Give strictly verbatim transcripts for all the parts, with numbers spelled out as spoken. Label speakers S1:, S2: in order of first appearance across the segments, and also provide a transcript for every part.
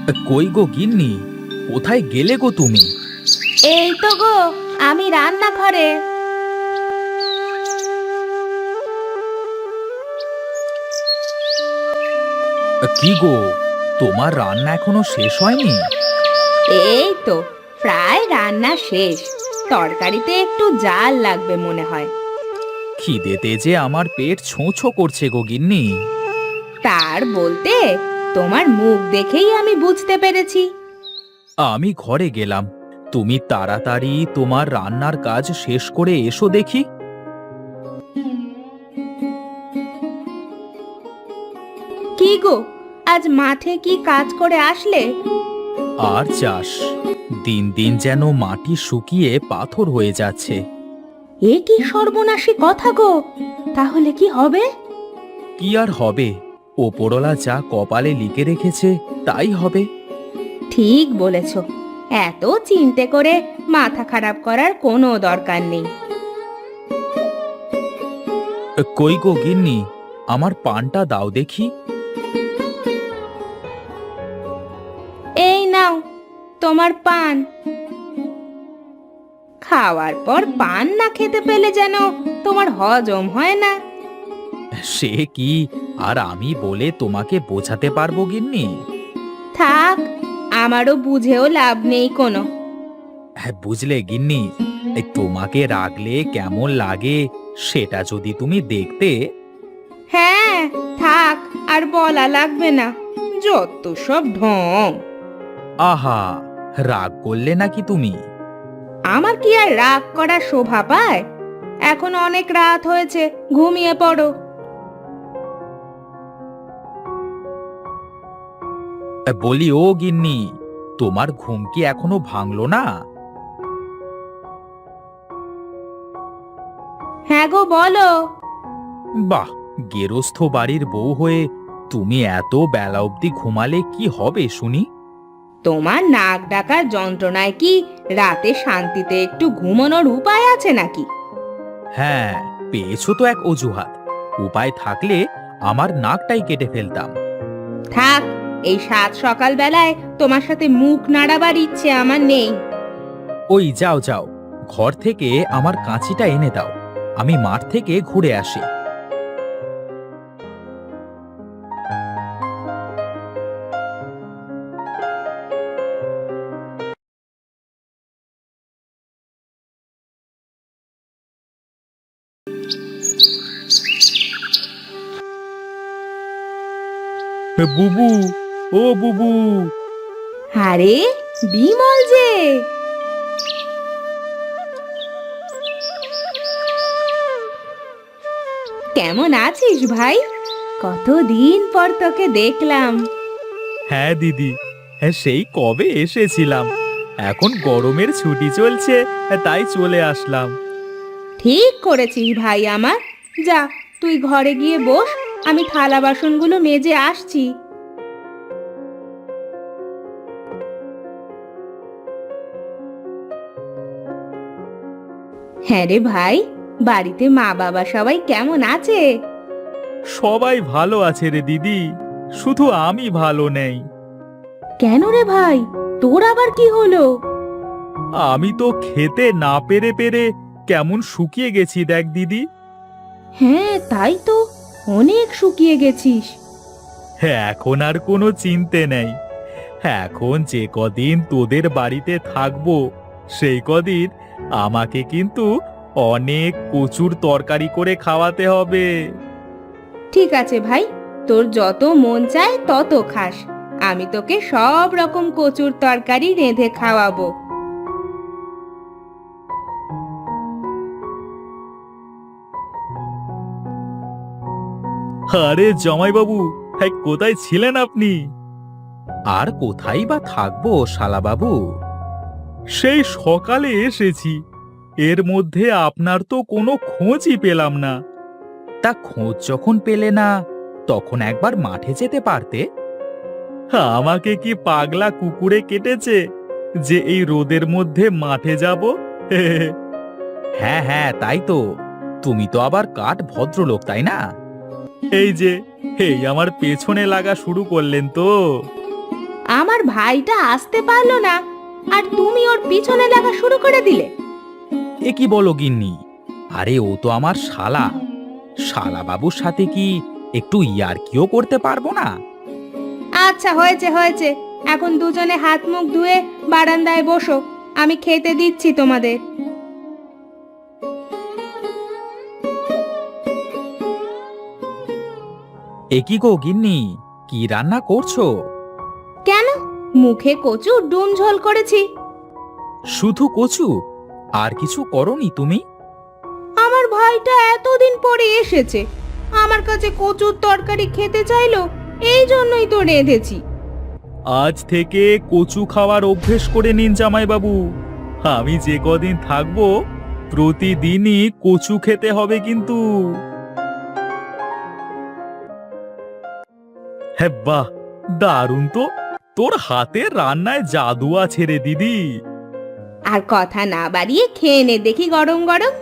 S1: কই গো গিন্নি, কোথায় গেলে গো তুমি?
S2: এই তো গো, আমি রান্নাঘরে।
S1: কি গো, তোমার রান্না এখনো শেষ হয়নি?
S2: এই তো প্রায় রান্না শেষ। তরকারিতে একটু জাল লাগবে মনে হয়।
S1: খিদেতে যে আমার পেট ছোঁ ছোঁ করছে গো গিন্নি।
S2: তার বলতে তোমার মুখ দেখেই আমি বুঝতে পেরেছি।
S1: আমি ঘরে গেলাম, তুমি তাড়াতাড়ি তোমার রান্নার কাজ শেষ করে এসো দেখি।
S2: কি গো, আজ মাঠে কি কাজ করে আসলে?
S1: আর চাষ, দিন দিন যেন মাটি শুকিয়ে পাথর হয়ে যাচ্ছে।
S2: এ কি সর্বনাশী কথা গো! তাহলে কি হবে?
S1: কি আর হবে, ওপরওয়ালা যা কপালে লিখে রেখেছে তাই হবে।
S2: ঠিক বলেছ, এত চিন্তে করে মাথা খারাপ করার কোনো দরকার নেই।
S1: কই গো গিন্নি, আমার পানটা দাও দেখি।
S2: এই নাও তোমার পান। খাওয়ার পর পান না খেতে পেলে যেন তোমার হজম হয় না।
S1: সে কি আর আমি বলে তোমাকে বোঝাতে পারবো গিন্নি?
S2: থাক, আমারও বুঝেও লাভ নেই কোনো।
S1: হ্যাঁ, বুঝলে গিন্নি, এই তোমাকে রাগলে কেমন লাগে সেটা যদি তুমি দেখতে।
S2: হ্যাঁ, থাক, আর বলা লাগবে না। যত সব ঢং!
S1: আহা, রাগ করলে নাকি তুমি?
S2: আমার কি আর রাগ করা শোভা পায়? এখন অনেক রাত হয়েছে, ঘুমিয়ে পড়ো।
S1: বলি ও গিন্নি, তোমার ঘুম কি এখনো ভাঙলো না?
S2: হ্যাঁ গো, বলো।
S1: বাহ, গেরস্থ বাড়ির বউ হয়ে তুমি এত বেলা অবধি ঘুমালে কি হবে শুনি?
S2: তোমার নাক ডাকার যন্ত্রণায় কি রাতে শান্তিতে একটু ঘুমানোর উপায় আছে নাকি?
S1: হ্যাঁ, পেয়েছো তো এক অজুহাত। উপায় থাকলে আমার নাকটাই কেটে ফেলতাম।
S2: থাক, এই সাত সকাল বেলায় তোমার সাথে মুখ নাড়াবার ইচ্ছে আমার নেই।
S1: ওই যাও যাও, ঘর থেকে আমার কাঁচিটা এনে দাও, আমি মাঠ থেকে ঘুরে আসি। বুবু, ও বুবু!
S2: আরে বিমল যে! কেমন আছিস ভাই? কতদিন পর তোকে দেখলাম।
S1: হ্যাঁ দিদি, হ্যাঁ সেই কবে এসেছিলাম, এখন গরমের ছুটি চলছে তাই চলে আসলাম।
S2: ঠিক করেছিস ভাই আমার। যা, তুই ঘরে গিয়ে বস, আমি থালা বাসনগুলো মেজে আসছি। হ্যাঁ রে ভাই, বাড়িতে মা বাবা সবাই কেমন আছে?
S1: সবাই ভালো আছে রে দিদি, শুধু আমি ভালো নেই।
S2: কেন রে ভাই, তোর আবার কি হলো?
S1: আমি তো খেতে না পেরে পেরে কেমন শুকিয়ে গেছি দেখ দিদি।
S2: হ্যাঁ তাই তো, অনেক শুকিয়ে গেছিস।
S1: এখন আর কোনো চিন্তে নেই, এখন যে কদিন তোদের বাড়িতে থাকবো সেই কদিন আমাকে কিন্তু অনেক কচুর তরকারি করে খাওয়াতে হবে।
S2: ঠিক আছে ভাই, তোর যত মন চায় তত খাস। আমি তোকে সব রকম কচুর তরকারি রেঁধে খাওয়াবো।
S1: আরে জামাইবাবু, হ্যাঁ কোথায় ছিলেন আপনি? আর কোথায় বা থাকবো শালাবাবু, সেই সকালে এসেছি, এর মধ্যে আপনার তো কোনো খোঁজই পেলাম না। তা খোঁজ যখন পেলে না, তখন একবার মাঠে যেতে পারতে। আমাকে কি পাগলা কুকুরে কেটেছে যে এই রোদের মধ্যে মাঠে যাব? হ্যাঁ হ্যাঁ, তাই তো, তুমি তো আবার কাঠ ভদ্রলোক তাই না? এই যে, এই আমার পেছনে লাগা শুরু করলেন তো।
S2: আমার ভাইটা আসতে পারলো না আর তুমি ওর পিছনে লাগা শুরু করে দিলে।
S1: এ কি বলো গিন্নি? আরে ও তো আমার শালা। শালা বাবুর সাথে কি একটু ইয়ার্কিও করতে পারবো না?
S2: আচ্ছা হয়েছে হয়েছে, এখন দুজনে হাত মুখ ধুয়ে বারান্দায় বসো, আমি খেতে দিচ্ছি তোমাদের।
S1: এ কি গো গিন্নি, কি রান্না করছো?
S2: কেন, মুখে কচু ডুম ঝোল করেছি।
S1: শুধু কচু? আর কিছু করনি তুমি?
S2: আমার ভাইটা এতদিন পরে এসেছে, আমার কাছে কচুর তরকারি খেতে চাইলো, এই জন্যই তো রেঁধেছি।
S1: আজ থেকে কচু খাওয়ার অভ্যেস করে নিন জামাইবাবু। আমি যে কদিন থাকবো প্রতিদিনই কচু খেতে হবে কিন্তু। হ্যাঁ বাহ, দারুণ তো। তোর হাতের রান্নায় জাদু আছে রে দিদি।
S2: আর কথা না বাড়িয়ে খেয়ে নে দেখি গরম গরম।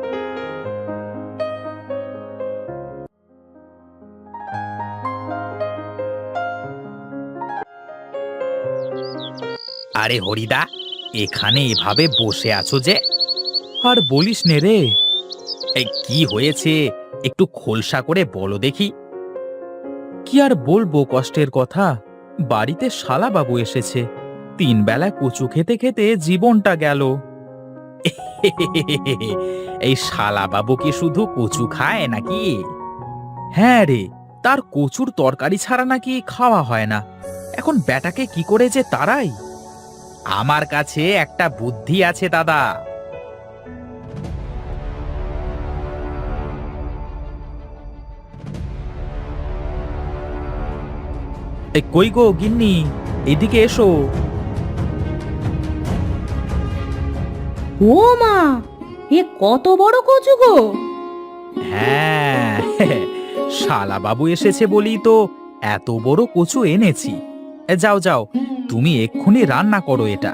S1: আরে হরিদা, এখানে এভাবে বসে আছো যে? আর বলিস নে রে। এই কি হয়েছে একটু খোলসা করে বলো দেখি। কি আর বলবো কষ্টের কথা, বাড়িতে শালা বাবু এসেছে, তিন বেলা কচু খেতে খেতে জীবনটা গেল। এই শালা বাবু কি শুধু কচু খায় নাকি? হ্যাঁ রে, তার কচুর তরকারি ছাড়া নাকি খাওয়া হয় না। এখন ব্যাটাকে কি করে যে তারাই। আমার কাছে একটা বুদ্ধি আছে দাদা। এ কই গো গিন্নি, এদিকে এসো।
S2: ও মা, এ কত বড় কচু গো!
S1: হ্যাঁ, শালা বাবু এসেছে বলেই তো এত বড় কচু এনেছি। এ যাও যাও, তুমি এক্ষুনি রান্না করো এটা।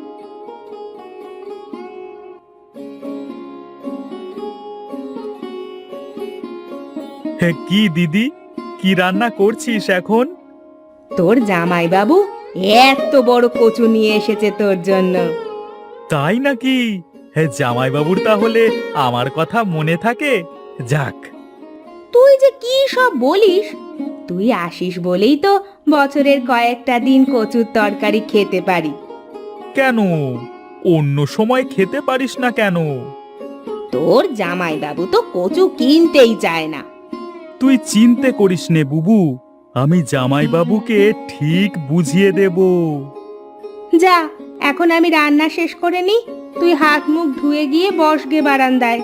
S1: কি দিদি, কি রান্না করছিস এখন?
S2: তোর জামাই বাবু এত বড় কচু নিয়ে এসেছে তোর জন্য।
S1: তাই নাকি? হ্যাঁ, জামাইবাবুর তাহলে আমার কথা মনে থাকে। যাক।
S2: তুই যে কি সব বলিস, তুই আসিস বলেই তো বছরের কয়েকটা দিন কচুর তরকারি খেতে পারি।
S1: কেন, অন্য সময় খেতে পারিস না কেন?
S2: তোর জামাই বাবু তো কচু কিনতেই চায় না।
S1: তুই চিন্তে করিস নে বুবু, আমি জামাইবাবুকে ঠিক বুঝিয়ে দেব।
S2: যা, এখন আমি রান্না শেষ করে নি, তুই হাত মুখ ধুয়ে গিয়ে বসগে বারান্দায়।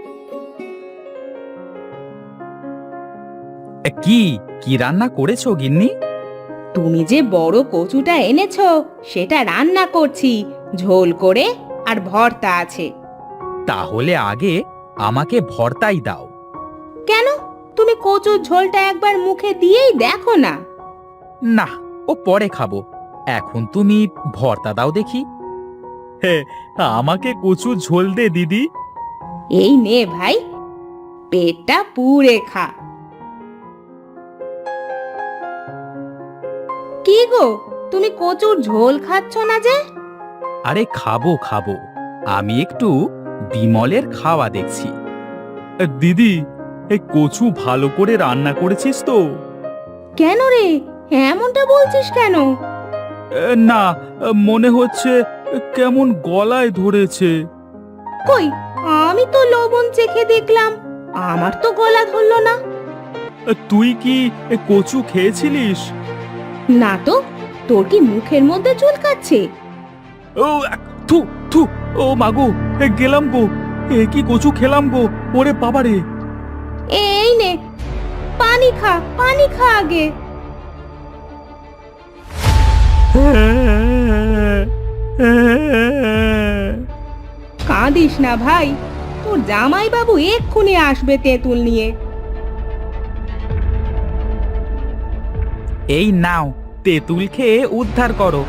S1: কি কি রান্না করেছো গিন্নি?
S2: তুমি যে বড় কচুটা এনেছো সেটা রান্না করছি, ঝোল করে, আর ভর্তা আছে।
S1: তাহলে আগে আমাকে ভর্তাই দাও।
S2: কেন, তুমি কচুর ঝোলটা একবার মুখে দিয়েই দেখো না।
S1: না, ও পরে খাবো, এখন তুমি ভর্তা দাও দেখি। হ্যাঁ, আমাকে কচু ঝোল দে দিদি।
S2: এই নে ভাই, পেটটা পুড়ে খা। কি গো, তুমি কচুর ঝোল খাচ্ছ না যে?
S1: আরে খাবো খাবো, আমি একটু বিমলের খাওয়া দেখছি। দিদি, এই কচু ভালো করে রান্না করেছিস তো?
S2: কেন রে, এমনটা বলছিস কেন?
S1: না, মনে হচ্ছে কেমন গলায় ধরেছে।
S2: কই, আমি তো লবণ চেখে দেখলাম, আমার তো গলা ধরলো না।
S1: তুই কি কচু খেয়েছিলিস?
S2: না তো, তোর কি মুখের মধ্যে চুলকাচ্ছে?
S1: ও থু থু, ও মাগো, গেলাম গো, এ কি কচু খেলাম গো, ওরে বাবারে।
S2: এই নে, পানি খা, পানি খা আগে। কাঁদিস না ভাই, তোর জামাই বাবু এক্ষুনি আসবে তেঁতুল নিয়ে।
S1: এই নাও, তেঁতুল খেয়ে উদ্ধার করো।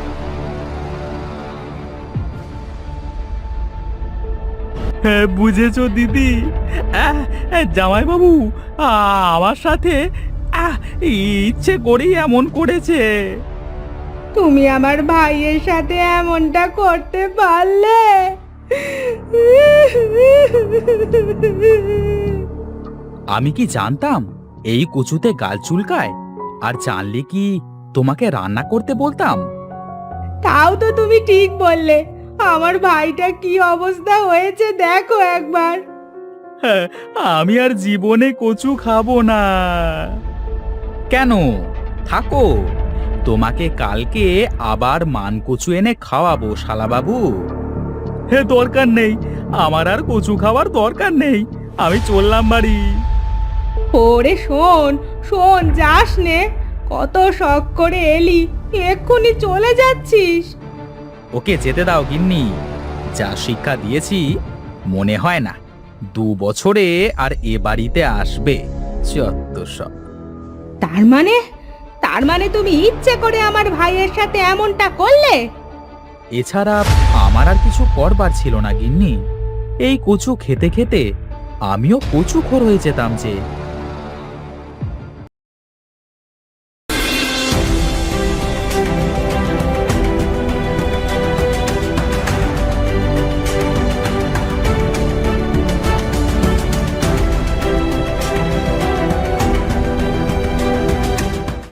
S1: হ্যাঁ, বুঝেছো দিদি? জামাই বাবু আমার সাথে আহ, ইচ্ছে করেই এমন করেছে।
S2: তুমি আমার ভাইয়ের সাথে এমনটা করতে পারলে?
S1: আমি কি জানতাম এই কচুতে গাল চুলকায়? আর জানলে কি তোমাকে রান্না করতে বলতাম?
S2: তাও তো তুমি ঠিক বললে। আমার ভাইটা কি অবস্থা হয়েছে দেখো একবার।
S1: হ্যাঁ, আমি আর জীবনে কচু খাবো না। কেন? থাকো, তোমাকে কালকে আবার মান কচু এনে খাওয়াবো শালাবাবু। হে, দরকার নেই, আমার আর কচু খাওয়ার দরকার নেই। আমি চললাম বাড়ি।
S2: ওরে শোন শোন, যাস নে। কত শখ করে এলি, এক্ষুনি চলে যাচ্ছিস?
S1: ওকে যেতে দাও গিন্নি। যা শিক্ষা দিয়েছি মনে হয় না দু বছরে আর এ বাড়িতে আসবে। যত সব।
S2: তার মানে তার মানে তুমি ইচ্ছে করে আমার ভাইয়ের সাথে এমনটা করলে?
S1: এছাড়া আমার আর কিছু করবার ছিল না গিন্নি। এই কচু খেতে খেতে আমিও কচুখোর হয়ে যেতাম যে।